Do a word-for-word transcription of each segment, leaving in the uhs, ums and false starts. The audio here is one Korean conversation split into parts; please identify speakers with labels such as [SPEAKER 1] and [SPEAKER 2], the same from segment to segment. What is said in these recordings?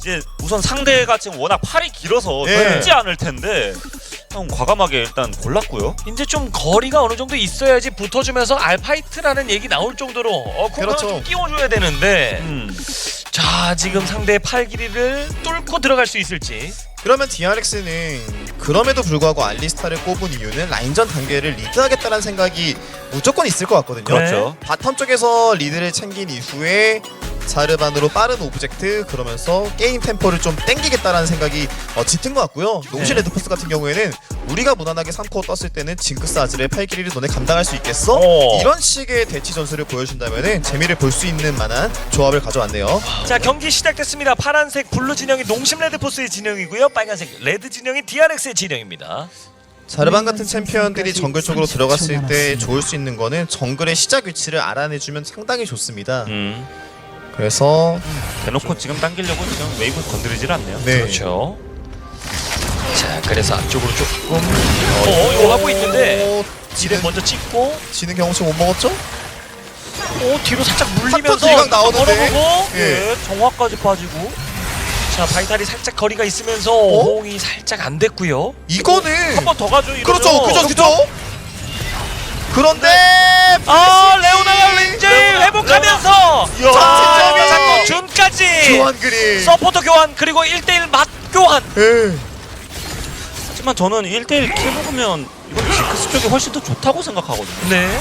[SPEAKER 1] 이제 우선 상대가 지금 워낙 팔이 길어서
[SPEAKER 2] 예.
[SPEAKER 1] 쉽지 않을 텐데 형 과감하게 일단 골랐고요.
[SPEAKER 3] 이제 좀 거리가 어느 정도 있어야지 붙어주면서 알파이트라는 얘기 나올 정도로 어, 공간을
[SPEAKER 2] 그렇죠.
[SPEAKER 3] 좀 띄워줘야 되는데
[SPEAKER 1] 음.
[SPEAKER 3] 자 지금 상대의 팔 길이를 뚫고 들어갈 수 있을지.
[SPEAKER 2] 그러면 디알엑스는 그럼에도 불구하고 알리스타를 꼽은 이유는 라인전 단계를 리드하겠다는 생각이 무조건 있을 것 같거든요.
[SPEAKER 1] 그렇죠.
[SPEAKER 2] 바텀 쪽에서 리드를 챙긴 이후에 자르반으로 빠른 오브젝트 그러면서 게임 템포를 좀 땡기겠다라는 생각이 어, 짙은 것 같고요. 농심
[SPEAKER 3] 네.
[SPEAKER 2] 레드포스 같은 경우에는 우리가 무난하게 삼 코어 떴을 때는 징크스 아즈의 팔 길이를 너네 감당할 수 있겠어?
[SPEAKER 3] 어.
[SPEAKER 2] 이런 식의 대치 전술을 보여준다면 재미를 볼 수 있는 만한 조합을 가져왔네요.
[SPEAKER 3] 자 경기 시작됐습니다. 파란색 블루 진영이 농심 레드포스의 진영이고요. 빨간색 레드 진영이 디알엑스의 진영입니다.
[SPEAKER 2] 자르반 같은 챔피언들이 정글 쪽으로 들어갔을 때 좋을 수 있는 거는 정글의 시작 위치를 알아내주면 상당히 좋습니다.
[SPEAKER 1] 음.
[SPEAKER 2] 그래서
[SPEAKER 1] 대놓고 지금 당기려고 지금 웨이브 건드리질 않네요.
[SPEAKER 2] 네.
[SPEAKER 3] 그렇죠. 자 그래서 앞쪽으로 조금 어 이거 하고 있는데
[SPEAKER 2] 어,
[SPEAKER 3] 지뢰 먼저 찍고
[SPEAKER 2] 지는 경험치 못 먹었죠?
[SPEAKER 3] 어 뒤로 살짝
[SPEAKER 2] 탁
[SPEAKER 3] 물리면서
[SPEAKER 2] 딜각 나오는데.
[SPEAKER 3] 걸어보고
[SPEAKER 2] 예.
[SPEAKER 1] 예, 정화까지 빠지고.
[SPEAKER 3] 자 바이탈이 살짝 거리가 있으면서
[SPEAKER 2] 어?
[SPEAKER 3] 호응이 살짝 안 됐고요.
[SPEAKER 2] 이거는
[SPEAKER 1] 한 번 더 가죠. 이러면.
[SPEAKER 2] 그렇죠, 그죠, 그죠. 그런데
[SPEAKER 3] 아 레오나가 왠지 회복하면서
[SPEAKER 2] 이야.
[SPEAKER 3] 자 자꾸 준까지
[SPEAKER 2] 교환 그림.
[SPEAKER 3] 서포터 교환 그리고 일 대일 맞 교환.
[SPEAKER 2] 예.
[SPEAKER 1] 하지만 저는 일 대일 킬 먹으면 이건 징크스 쪽이 훨씬 더 좋다고 생각하거든요.
[SPEAKER 3] 네.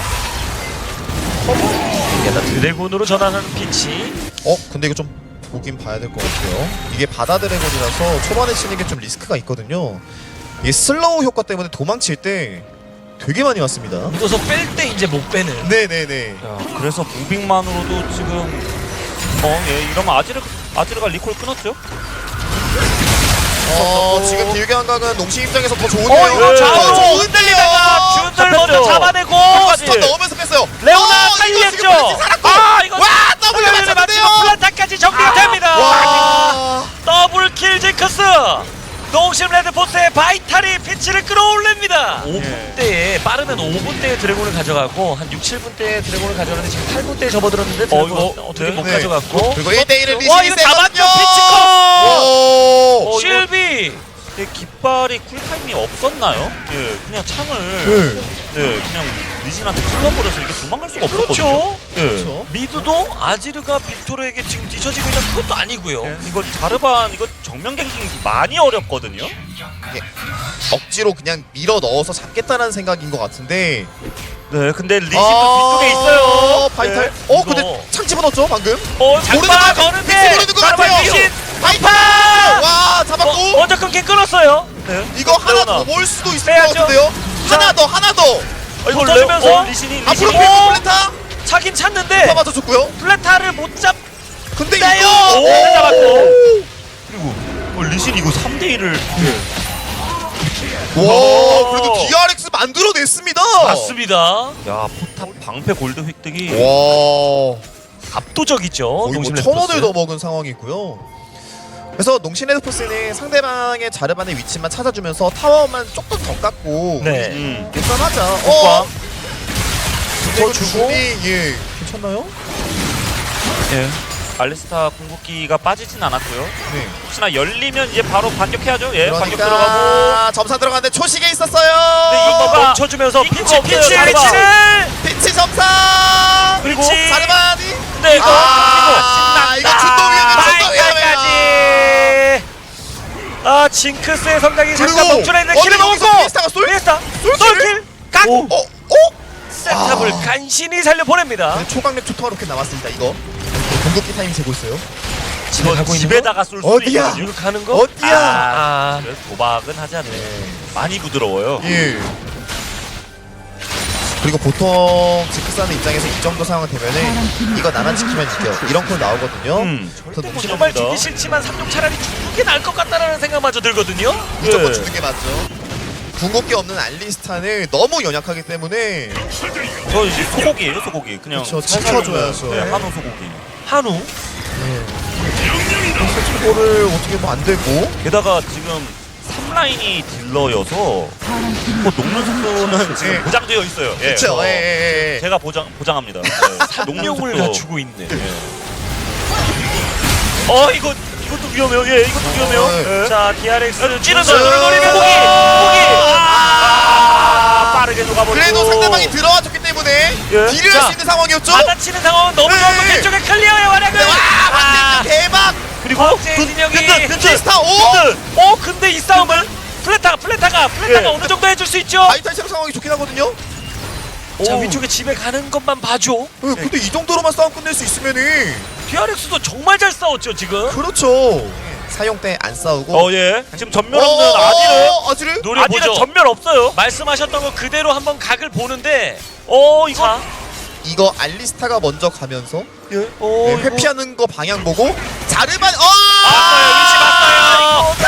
[SPEAKER 3] 게다 드래곤으로 전환하는 피치.
[SPEAKER 2] 어, 근데 이거 좀 보긴 봐야 될 것 같아요. 이게 바다 드래곤이라서 초반에 치는 게 좀 리스크가 있거든요. 이 슬로우 효과 때문에 도망칠 때 되게 많이 왔습니다.
[SPEAKER 3] 묻어서 뺄 때 이제 못 빼는.
[SPEAKER 2] 네네네.
[SPEAKER 1] 야, 그래서 무빙만으로도 지금 어, 예, 이러면 아지르 아지르가 리콜 끊었죠?
[SPEAKER 2] 어,
[SPEAKER 1] 어,
[SPEAKER 2] 지금 딜교 한각은 농심 입장에서 더 좋은데요.
[SPEAKER 3] 어 이거
[SPEAKER 1] 네.
[SPEAKER 3] 좌우
[SPEAKER 2] 더 좋은데요.
[SPEAKER 3] 흔들리다가 준들
[SPEAKER 1] 잡혔죠.
[SPEAKER 3] 먼저 잡아내고
[SPEAKER 2] 스턴 넣으면서 뺐어요.
[SPEAKER 3] 레오나
[SPEAKER 2] 어, 이거
[SPEAKER 3] 살렸죠.
[SPEAKER 2] 지금 벤치 살았고.
[SPEAKER 3] 아 이거
[SPEAKER 2] 와, 더블
[SPEAKER 3] 맞췄는데요.
[SPEAKER 2] 맞췄는데요.
[SPEAKER 3] 플란타까지 정리가 됩니다.
[SPEAKER 2] 와.
[SPEAKER 3] 더블 킬 징크스. 농심 레드포스의 바이탈이 피치를 끌어올립니다. 오 분대에 빠르면 오 분대의 드래곤을 가져가고 한 육, 칠 분대의 드래곤을 가져가는데 지금 팔 분대에 접어들었는데 드래곤
[SPEAKER 1] 이거,
[SPEAKER 3] 어떻게
[SPEAKER 1] 네.
[SPEAKER 3] 못
[SPEAKER 2] 네.
[SPEAKER 3] 가져갔고
[SPEAKER 2] 그리고 일 대일을
[SPEAKER 3] 와
[SPEAKER 2] 리신이
[SPEAKER 3] 이거 잡았죠
[SPEAKER 2] 세거든요.
[SPEAKER 3] 피치컷.
[SPEAKER 2] 오.
[SPEAKER 1] 어, 이거-
[SPEAKER 3] 실비.
[SPEAKER 1] 근데 깃발이 쿨타임이 없었나요? 예, 그냥 창을
[SPEAKER 2] 네.
[SPEAKER 1] 예, 그냥 리신한테 찔러버려서 이게 도망갈 수가 없었거든요.
[SPEAKER 3] 그렇죠.
[SPEAKER 1] 예.
[SPEAKER 2] 그렇죠.
[SPEAKER 3] 미드도 아지르가 빅토르에게 지금 뒤처지고 있는 그것도 아니고요.
[SPEAKER 1] 예, 이거 자르반 이거 정면 갱킹 많이 어렵거든요.
[SPEAKER 2] 억지로 그냥 밀어 넣어서 잡겠다는 생각인 것 같은데.
[SPEAKER 1] 네, 근데 리신도
[SPEAKER 2] 아,
[SPEAKER 1] 뒤쪽에 있어요.
[SPEAKER 2] 바이탈.
[SPEAKER 1] 네.
[SPEAKER 2] 어,
[SPEAKER 3] 이거.
[SPEAKER 2] 근데 창 집어넣었죠 방금.
[SPEAKER 3] 어,
[SPEAKER 2] 모르는 것
[SPEAKER 3] 장마
[SPEAKER 2] 같아.
[SPEAKER 3] 거는데
[SPEAKER 2] 믹스 모르는 것
[SPEAKER 3] 자르반
[SPEAKER 2] 같아요.
[SPEAKER 3] 리신
[SPEAKER 2] 바이탈. 와, 잡았고.
[SPEAKER 3] 어, 먼저 끊긴 끊었어요.
[SPEAKER 1] 네.
[SPEAKER 2] 이거 하나
[SPEAKER 1] 레오나.
[SPEAKER 2] 더 볼 수도 있을
[SPEAKER 3] 빼야죠.
[SPEAKER 2] 것 같은데요. 하나 더, 하나 더.
[SPEAKER 1] 어, 이거
[SPEAKER 3] 붙어주면서
[SPEAKER 1] 레오- 어, 리신이
[SPEAKER 2] 앞으로
[SPEAKER 1] 리신이
[SPEAKER 2] 밀고
[SPEAKER 3] 어?
[SPEAKER 2] 플랜타.
[SPEAKER 3] 차긴 찼는데
[SPEAKER 2] 다 맞아줬고요.
[SPEAKER 3] 플레타를 못 잡.
[SPEAKER 2] 근데
[SPEAKER 3] 빼요.
[SPEAKER 2] 이거
[SPEAKER 3] 오, 잡았고.
[SPEAKER 1] 그리고 어, 리신 이거 삼 대 일을
[SPEAKER 2] 와,
[SPEAKER 3] 오.
[SPEAKER 2] 그래도 디알엑스 만들어냈습니다.
[SPEAKER 3] 맞습니다.
[SPEAKER 1] 야, 포탑 방패 골드 획득이
[SPEAKER 2] 와,
[SPEAKER 3] 압도적이죠.
[SPEAKER 2] 거의 뭐
[SPEAKER 3] 농심
[SPEAKER 2] 천 원을
[SPEAKER 3] 레드포스.
[SPEAKER 2] 더 먹은 상황이고요. 그래서 농심 레드포스는 상대방의 자르반의 위치만 찾아주면서 타워만 조금 더 깎고
[SPEAKER 3] 네.
[SPEAKER 1] 음.
[SPEAKER 2] 일단하자.
[SPEAKER 3] 효과.
[SPEAKER 2] 어,
[SPEAKER 3] 더
[SPEAKER 2] 더
[SPEAKER 3] 주고.
[SPEAKER 2] 주고 예, 괜찮나요?
[SPEAKER 1] 예. 알리스타 궁극기가 빠지진 않았고요.
[SPEAKER 2] 네.
[SPEAKER 1] 혹시나 열리면 이제 바로 반격해야죠. 예, 반격 들어가고.
[SPEAKER 2] 그러니까 점사 들어가는데 초식에 있었어요.
[SPEAKER 1] 네,
[SPEAKER 3] 이거
[SPEAKER 1] 이거가
[SPEAKER 3] 멈춰주면서
[SPEAKER 1] 이거가
[SPEAKER 3] 피치
[SPEAKER 1] 없어요,
[SPEAKER 3] 피치
[SPEAKER 1] 자르반.
[SPEAKER 3] 피치를.
[SPEAKER 2] 피치 점사.
[SPEAKER 3] 그리고
[SPEAKER 2] 자르반이.
[SPEAKER 3] 네 이거
[SPEAKER 2] 아, 이거 준도 위험해, 준도 위험해요.
[SPEAKER 3] 바이까지. 아 징크스의 성장이 잠깐
[SPEAKER 2] 그리고
[SPEAKER 3] 멈춰라 했는데
[SPEAKER 2] 어,
[SPEAKER 3] 킬을
[SPEAKER 2] 근데 여기서
[SPEAKER 3] 먹고
[SPEAKER 2] 피스타가 쏠?
[SPEAKER 3] 피스타
[SPEAKER 2] 쏠
[SPEAKER 3] 솔킬 각
[SPEAKER 2] 어, 어?
[SPEAKER 3] 세탑을
[SPEAKER 2] 아.
[SPEAKER 3] 간신히 살려보냅니다.
[SPEAKER 2] 네, 초강력 초토화 로켓 남았습니다. 이거 공격기 타이밍 재고 있어요.
[SPEAKER 3] 집에 가고 있는
[SPEAKER 1] 집에다가 쏠 수
[SPEAKER 2] 어디야?
[SPEAKER 1] 있거든요.
[SPEAKER 3] 이거 가는 거?
[SPEAKER 2] 어디야?
[SPEAKER 3] 아,
[SPEAKER 1] 그래서 도박은 하지 않네. 많이 부드러워요.
[SPEAKER 2] 예. 그리고 보통 지크스하는 입장에서 이 정도 상황 되면은 이거 나만 지키면 이겨 이런 콜 나오거든요.
[SPEAKER 1] 음,
[SPEAKER 2] 저
[SPEAKER 1] 절대 못
[SPEAKER 2] 농심
[SPEAKER 3] 정말
[SPEAKER 1] 잡니다.
[SPEAKER 3] 죽기 싫지만 삼종 차라리 죽는 게 나을 것 같다라는 생각마저 들거든요.
[SPEAKER 2] 무조건
[SPEAKER 1] 예.
[SPEAKER 2] 주는 게 맞죠. 궁극기 없는 알리스타는 너무 연약하기 때문에
[SPEAKER 1] 저 이제 소고기예요, 소고기. 그냥
[SPEAKER 2] 그쵸,
[SPEAKER 1] 살살
[SPEAKER 2] 지켜줘야죠.
[SPEAKER 1] 먹어요. 네, 한우 소고기.
[SPEAKER 3] 한우
[SPEAKER 2] 그래서 초보를 어떻게 뭐 안 되고
[SPEAKER 1] 게다가 지금 삼 라인이 딜러여서 뭐 녹는 속도는 지금
[SPEAKER 2] 예.
[SPEAKER 1] 보장되어 있어요. 예,
[SPEAKER 2] 그쵸?
[SPEAKER 1] 어,
[SPEAKER 2] 예, 예, 예.
[SPEAKER 1] 제가 보장 보장합니다. 네. 녹는
[SPEAKER 3] 용을
[SPEAKER 1] 속도.
[SPEAKER 3] 갖추고 있네.
[SPEAKER 1] 예.
[SPEAKER 3] 어 이거 이거
[SPEAKER 1] 이것도 위험해요. 예, 이것도 위험해요.
[SPEAKER 2] 네.
[SPEAKER 1] 예.
[SPEAKER 3] 자, 디알엑스
[SPEAKER 1] 찌르는
[SPEAKER 3] 노리면
[SPEAKER 1] 포기,
[SPEAKER 3] 포기.
[SPEAKER 1] 아, 빠르게 녹아버리고.
[SPEAKER 2] 그래도 상대방이 들어와 줬기 때문에
[SPEAKER 1] 예.
[SPEAKER 2] 딜을
[SPEAKER 3] 자,
[SPEAKER 2] 할 수 있는 상황이었죠.
[SPEAKER 3] 받아치는 상황은 너무
[SPEAKER 2] 네.
[SPEAKER 3] 좋았고 왼쪽에 클리어의 활약을.
[SPEAKER 2] 네, 와, 완전 대박.
[SPEAKER 1] 그리고
[SPEAKER 3] 제 진영이
[SPEAKER 2] 빈스타 오.
[SPEAKER 3] 어 근데 이 싸움은 플레타가 플레타가 플레타가
[SPEAKER 1] 예.
[SPEAKER 3] 어느 정도 해줄 수 있죠.
[SPEAKER 2] 바이탈 상황이 좋긴 하거든요.
[SPEAKER 3] 자
[SPEAKER 1] 오.
[SPEAKER 3] 위쪽에 집에 가는 것만 봐줘.
[SPEAKER 2] 네, 근데 이 정도로만 싸움 끝낼 수 있으면은
[SPEAKER 3] 디알엑스도 정말 잘 싸웠죠 지금.
[SPEAKER 2] 그렇죠. 사용 때 안 싸우고.
[SPEAKER 1] 어, 예. 지금 전면 없는 아지를.
[SPEAKER 2] 어, 아지를?
[SPEAKER 1] 아지를
[SPEAKER 3] 노려보죠.
[SPEAKER 1] 전면 없어요.
[SPEAKER 3] 말씀하셨던 거 그대로 한번 각을 보는데
[SPEAKER 1] 어, 이거.
[SPEAKER 3] 자,
[SPEAKER 2] 이거 알리스타가 먼저 가면서
[SPEAKER 1] 예.
[SPEAKER 3] 오,
[SPEAKER 2] 네,
[SPEAKER 3] 이거
[SPEAKER 2] 회피하는 거 방향 보고 자르반 어!
[SPEAKER 3] 봤어요. 위치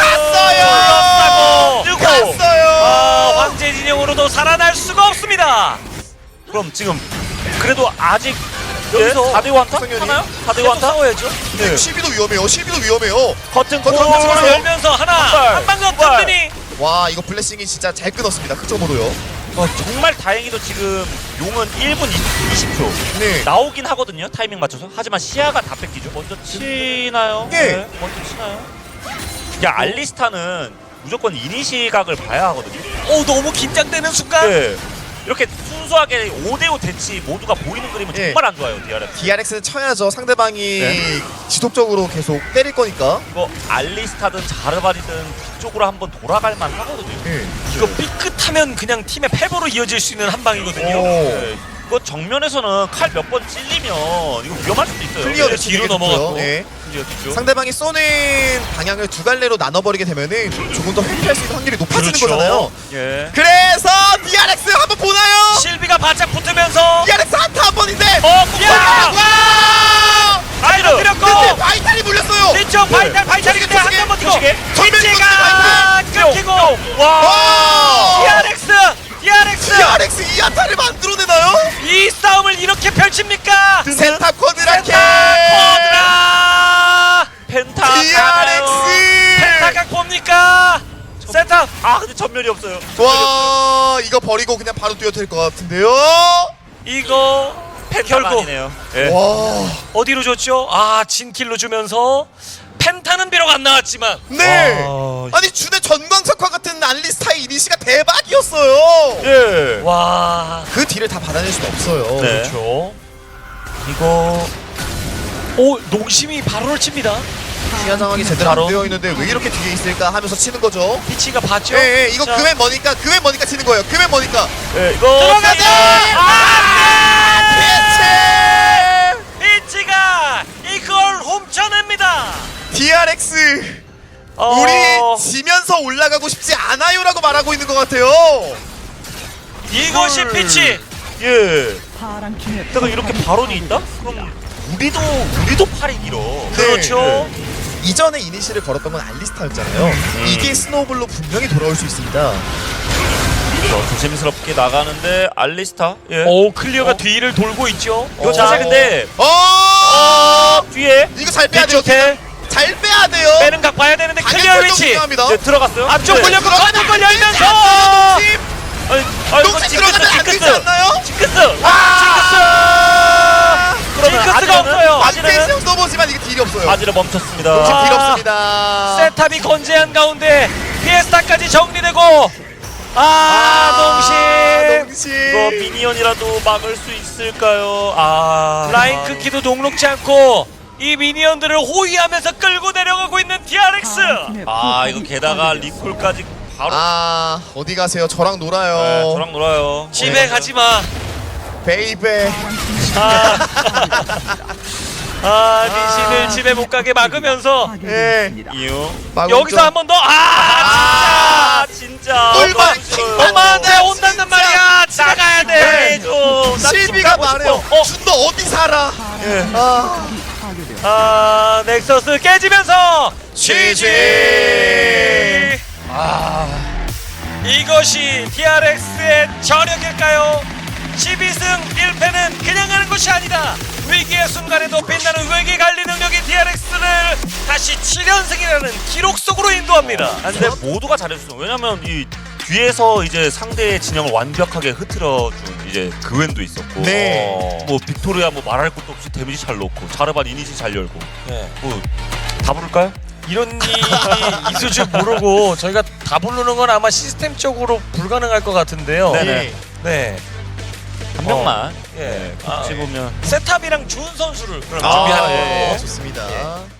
[SPEAKER 3] 봤어요.
[SPEAKER 2] 갔어요.
[SPEAKER 3] 뜨고
[SPEAKER 2] 갔어요.
[SPEAKER 3] 아, 황제 진영으로도 살아날 수가 없습니다.
[SPEAKER 1] 그럼 지금 그래도 아직
[SPEAKER 3] 여기서
[SPEAKER 1] 사 대 원타
[SPEAKER 2] 성현이?
[SPEAKER 1] 하나요? 사 대
[SPEAKER 3] 계속
[SPEAKER 1] 원타?
[SPEAKER 3] 싸워야죠.
[SPEAKER 1] 예.
[SPEAKER 2] 십이도 위험해요. 십이도 위험해요.
[SPEAKER 1] 커튼
[SPEAKER 2] 커튼
[SPEAKER 1] 콜.
[SPEAKER 2] 커튼
[SPEAKER 3] 골을 열면서 하나
[SPEAKER 1] 발,
[SPEAKER 3] 한방더
[SPEAKER 1] 발.
[SPEAKER 3] 든든히.
[SPEAKER 2] 와 이거 블레싱이 진짜 잘 끊었습니다. 흑점으로요.
[SPEAKER 1] 어, 정말 다행히도 지금 용은 일 분 이십 초
[SPEAKER 2] 네.
[SPEAKER 1] 나오긴 하거든요. 타이밍 맞춰서. 하지만 시야가 다 뺏기죠. 먼저 치나요?
[SPEAKER 2] 예.
[SPEAKER 1] 네, 먼저 치나요? 야, 알리스타는 무조건 이니시각을 봐야 하거든요.
[SPEAKER 3] 오 너무 긴장되는 순간.
[SPEAKER 1] 네. 이렇게 순수하게 오 대 오 대치 모두가 보이는 그림은
[SPEAKER 2] 예.
[SPEAKER 1] 정말 안 좋아요. 디알엑스.
[SPEAKER 2] 디알엑스는 쳐야죠. 상대방이
[SPEAKER 1] 네.
[SPEAKER 2] 지속적으로 계속 때릴 거니까.
[SPEAKER 1] 이거 알리스타든 자르바리든 뒤쪽으로 한번 돌아갈 만 하거든요.
[SPEAKER 2] 네.
[SPEAKER 3] 이거 삐끗하면 그냥 팀의 패배로 이어질 수 있는 한 방이거든요.
[SPEAKER 2] 오.
[SPEAKER 1] 네. 이거 정면에서는 칼 몇 번 찔리면 이거 위험할 수도 있어요.
[SPEAKER 2] 클리어
[SPEAKER 3] 네,
[SPEAKER 2] 대치
[SPEAKER 3] 뒤로
[SPEAKER 2] 되게
[SPEAKER 3] 넘어갔고.
[SPEAKER 2] 좋고요. 네.
[SPEAKER 1] 클리어 뒤쪽.
[SPEAKER 2] 상대방이 쏘는 방향을 두 갈래로 나눠버리게 되면은 조금 더 회피할 수 있는 확률이 높아지는
[SPEAKER 3] 그렇죠.
[SPEAKER 2] 거잖아요.
[SPEAKER 1] 예.
[SPEAKER 2] 그래서 디알엑스 한번 보나요?
[SPEAKER 3] 실비가 바짝 붙으면서
[SPEAKER 2] 디알엑스 한타 한 번인데.
[SPEAKER 1] 어,
[SPEAKER 3] 야!
[SPEAKER 2] 와!
[SPEAKER 1] 아이로.
[SPEAKER 3] 때렸고
[SPEAKER 2] 근데 바이탈이 물렸어요.
[SPEAKER 3] 뒤쪽 바이탈 바이탈이 근데
[SPEAKER 2] 조식에,
[SPEAKER 3] 한번 버티고
[SPEAKER 2] 조식에. 전면
[SPEAKER 3] 피치가 끊기고
[SPEAKER 1] 와.
[SPEAKER 2] 와!
[SPEAKER 3] 디알엑스 디알엑스
[SPEAKER 2] 디알엑스 이 한타를 만들어내나요?
[SPEAKER 3] 이 싸움을 이렇게 펼칩니까?
[SPEAKER 2] 센타 쿼드라케.
[SPEAKER 3] 쿼드라
[SPEAKER 1] 펜타.
[SPEAKER 2] 디알엑스.
[SPEAKER 3] 펜타각 봅니까? 센터
[SPEAKER 1] 아, 근데 전면이 없어요.
[SPEAKER 2] 와 이거 버리고 그냥 바로 뛰어들 것 같은데요.
[SPEAKER 3] 이거
[SPEAKER 1] 펜타가
[SPEAKER 3] 결국
[SPEAKER 1] 아니네요. 예.
[SPEAKER 2] 와.
[SPEAKER 3] 어디로 줬죠? 아 진킬로 주면서 펜타는 비록 안 나왔지만
[SPEAKER 2] 네.
[SPEAKER 1] 와.
[SPEAKER 2] 아니 준의 전광석화 같은 알리스타의 이니시가 대박이었어요.
[SPEAKER 1] 예.
[SPEAKER 3] 와
[SPEAKER 2] 그 뒤를 다 받아낼 수는 없어요.
[SPEAKER 1] 네.
[SPEAKER 3] 그렇죠. 이거 오 농심이 바로를 칩니다.
[SPEAKER 2] 시야 장악이 제대로
[SPEAKER 3] 바로.
[SPEAKER 2] 안 되어 있는데 왜 이렇게 뒤에 있을까 하면서 치는 거죠.
[SPEAKER 3] 피치가 봤죠?
[SPEAKER 2] 예, 예, 이거
[SPEAKER 3] 자,
[SPEAKER 2] 그웬 머니까 그웬 머니까 치는 거예요. 그웬 머니까.
[SPEAKER 1] 예, 이거
[SPEAKER 3] 들어가자!
[SPEAKER 2] 아,
[SPEAKER 3] 피치가 이걸 훔쳐냅니다.
[SPEAKER 2] 디알엑스
[SPEAKER 3] 어,
[SPEAKER 2] 우리 지면서 올라가고 싶지 않아요라고 말하고 있는 것 같아요.
[SPEAKER 3] 이것이
[SPEAKER 1] 이걸-
[SPEAKER 3] 피치.
[SPEAKER 1] 예.
[SPEAKER 4] 파란 팀의
[SPEAKER 1] 내가 이렇게 발언이 있다? 그럼 우리도 우리도 팔이 길어.
[SPEAKER 3] 그렇죠.
[SPEAKER 2] 이전에 이니시를 걸었던 건 알리스타였잖아요. 이게 스노우볼로 분명히 돌아올 수 있습니다.
[SPEAKER 1] 그래서 조심스럽게 나가는데 알리스타. 예.
[SPEAKER 3] 오 클리어가
[SPEAKER 1] 어?
[SPEAKER 3] 뒤를 돌고 있죠.
[SPEAKER 1] 이거
[SPEAKER 2] 어.
[SPEAKER 1] 자세 근데
[SPEAKER 2] 어,
[SPEAKER 1] 어, 뒤에
[SPEAKER 2] 이거 잘 빼야 돼요.
[SPEAKER 3] 뒤쪽에
[SPEAKER 2] 잘 빼야 돼요.
[SPEAKER 3] 빼는 각 봐야 되는데 클리어
[SPEAKER 2] 방향
[SPEAKER 3] 위치.
[SPEAKER 2] 중요합니다.
[SPEAKER 1] 네, 들어갔어요.
[SPEAKER 3] 앞쪽
[SPEAKER 1] 네.
[SPEAKER 3] 걸렸고 가는 걸 열면서.
[SPEAKER 1] 아니, 아 이거
[SPEAKER 2] 녹색
[SPEAKER 1] 징크스
[SPEAKER 2] 들어가면 안 되지
[SPEAKER 1] 징크스
[SPEAKER 2] 않나요?
[SPEAKER 1] 징크스.
[SPEAKER 2] 아,
[SPEAKER 1] 그러면
[SPEAKER 3] 징크스가
[SPEAKER 1] 아지르는-
[SPEAKER 3] 없어요.
[SPEAKER 1] 아지르는
[SPEAKER 2] 박대시 써보지만 이게 딜이 없어요.
[SPEAKER 1] 아지르 멈췄습니다.
[SPEAKER 2] 녹색
[SPEAKER 3] 아.
[SPEAKER 2] 딜 없습니다.
[SPEAKER 3] 세탑이 건재한 가운데 피에스타까지 정리되고 아 농심
[SPEAKER 1] 이거 미니언이라도 막을 수 있을까요? 아
[SPEAKER 3] 라인 끊기도 녹록지 않고 이 미니언들을 호위하면서 끌고 내려가고 있는 디알엑스.
[SPEAKER 1] 아 이거 게다가 리콜까지 바로
[SPEAKER 2] 아 어디 가세요? 저랑 놀아요.
[SPEAKER 1] 네, 저랑 놀아요.
[SPEAKER 3] 집에
[SPEAKER 1] 네.
[SPEAKER 3] 가지마.
[SPEAKER 2] 베이베.
[SPEAKER 3] 아, 아 리신을 집에 못 가게 막으면서
[SPEAKER 2] 예.
[SPEAKER 1] 이유.
[SPEAKER 3] 여기서 한 번 더. 아
[SPEAKER 1] 아 진짜.
[SPEAKER 2] 꿀벌
[SPEAKER 1] 진짜.
[SPEAKER 2] 킹
[SPEAKER 3] 진짜 엄마한테 온단단 말이야. 집에 가야 돼.
[SPEAKER 1] 해줘. 나
[SPEAKER 2] 실비가
[SPEAKER 1] 집 가고
[SPEAKER 2] 말해요.
[SPEAKER 1] 싶어.
[SPEAKER 2] 어, 준너 어디 살아?
[SPEAKER 1] 예.
[SPEAKER 2] 아,
[SPEAKER 3] 아 넥서스 깨지면서 지지.
[SPEAKER 1] 아
[SPEAKER 3] 이것이 디알엑스의 저력일까요? 십이 승 일 패는 그냥 하는 것이 아니다. 위기의 순간에도 빛나는 외계 관리 능력이 디알엑스를 다시 칠 연승이라는 기록 속으로 인도합니다.
[SPEAKER 1] 아, 근데 모두가 잘해줬어. 왜냐면 이 뒤에서 이제 상대의 진영을 완벽하게 흐트러준 이제 그웬도 있었고,
[SPEAKER 2] 네.
[SPEAKER 1] 어, 뭐 빅토리아 뭐 말할 것도 없이 데미지 잘 넣고, 자르반 이니시 잘 열고,
[SPEAKER 3] 네.
[SPEAKER 1] 뭐 다 부를까요?
[SPEAKER 3] 이런 일이 있을 줄 모르고 저희가 다 부르는 건 아마 시스템적으로 불가능할 것 같은데요.
[SPEAKER 1] 네네.
[SPEAKER 2] 예.
[SPEAKER 3] 네.
[SPEAKER 1] 한 명만
[SPEAKER 3] 예.
[SPEAKER 1] 네,
[SPEAKER 3] 아,
[SPEAKER 1] 꼽지 보면
[SPEAKER 3] 세탑이랑 준 선수를 그럼
[SPEAKER 2] 아,
[SPEAKER 3] 준비하는
[SPEAKER 2] 예,
[SPEAKER 3] 걸로.
[SPEAKER 2] 좋습니다.